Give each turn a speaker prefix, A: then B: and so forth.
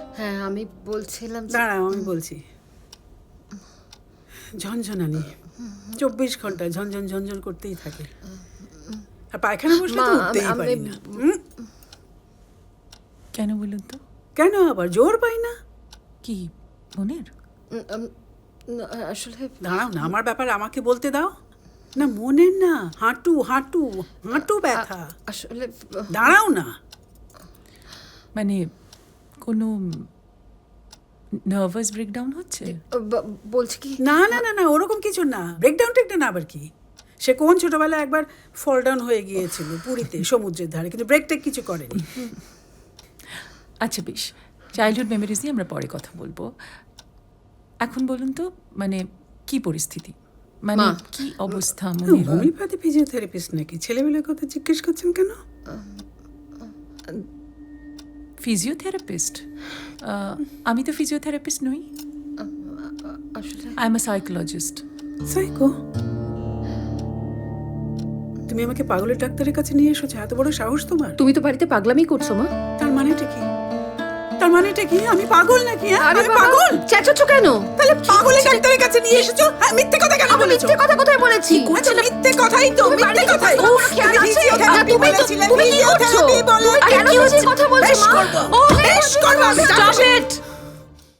A: হ্যাঁ আমি বলছিলাম
B: দাঁড়াও আমি বলছি। ঝনঝনানি 24 ঘন্টা ঝনঝন ঝনঝন করতেই থাকে, আর পায়খানা বসলে তো উঠতেই পারি না।
C: কেন বলুন তো?
B: কেন আবার জোর পাই না?
C: কি মনের?
A: আসলে
B: দাঁড়াও না, আমার ব্যাপার আমাকে বলতে দাও না। মনের না, হাঁটু হাঁটু হাঁটু ব্যথা।
A: আসলে
B: দাঁড়াও না,
C: মানে কোনো নার্ভাস ব্রেকডাউন হচ্ছে?
A: বলছি কি
B: না না না না, ওরকম কিছু না। ব্রেকডাউন টেকডাউন আবার কি? সে কোন ছোটবেলায় একবার ফল ডাউন হয়ে গিয়েছিল পুরীতে সমুদ্রের ধারে, কিন্তু ব্রেক টেক কিছু করেনি।
C: আচ্ছা বেশ, চাইল্ডহুড মেমোরিজ নিয়ে আমরা পরে কথা বলবো। এখন বলুন তো, মানে কি পরিস্থিতি, মানে কি অবস্থা মনের?
B: হোমিওপ্যাথি ফিজিওথেরাপিস্ট নাকি? ছেলেবেলার কথা জিজ্ঞেস করছেন কেন?
C: ফিজিওথেরাপিস্ট? আমি তো ফিজিওথেরাপিস্ট নই,
A: আসলে
C: I am a psychologist.
B: Psycho? তুমি আমাকে পাগলের ডাক্তারের কাছে নিয়ে এসেছো, এত বড় সাহস তোমার?
A: তুমি তো বাড়িতে পাগলামি করছো মা।
B: তার মানেটা কি? তার মানেটা কি? আমি পাগল নাকি?
A: আরে
B: আমি পাগল?
A: চেঁচাচ্ছো কেন?
B: তাহলে পাগলের ডাক্তারের কাছে নিয়ে এসেছো? হ্যাঁ, মিথ্যে কথা কেন
A: আমি
B: বলেছো?
A: মিথ্যে কথা কোথায় বলেছি?
B: আচ্ছা, মিথ্যে কথাই তো, মিথ্যে কথাই।
A: তোমার খেয়াল আছে?
B: ফিজিওথেরাপি
A: তুমি
B: বলেছিলে,
A: কি করছো?
B: ফিজিওথেরাপি বলে।
A: আরে কেন মিথ্যে কথা বলছো
B: বেশ
A: মা?
B: করবো,
A: ও
B: বেশ করবো, আমি
A: স্টপ
B: জানি।
A: ইট।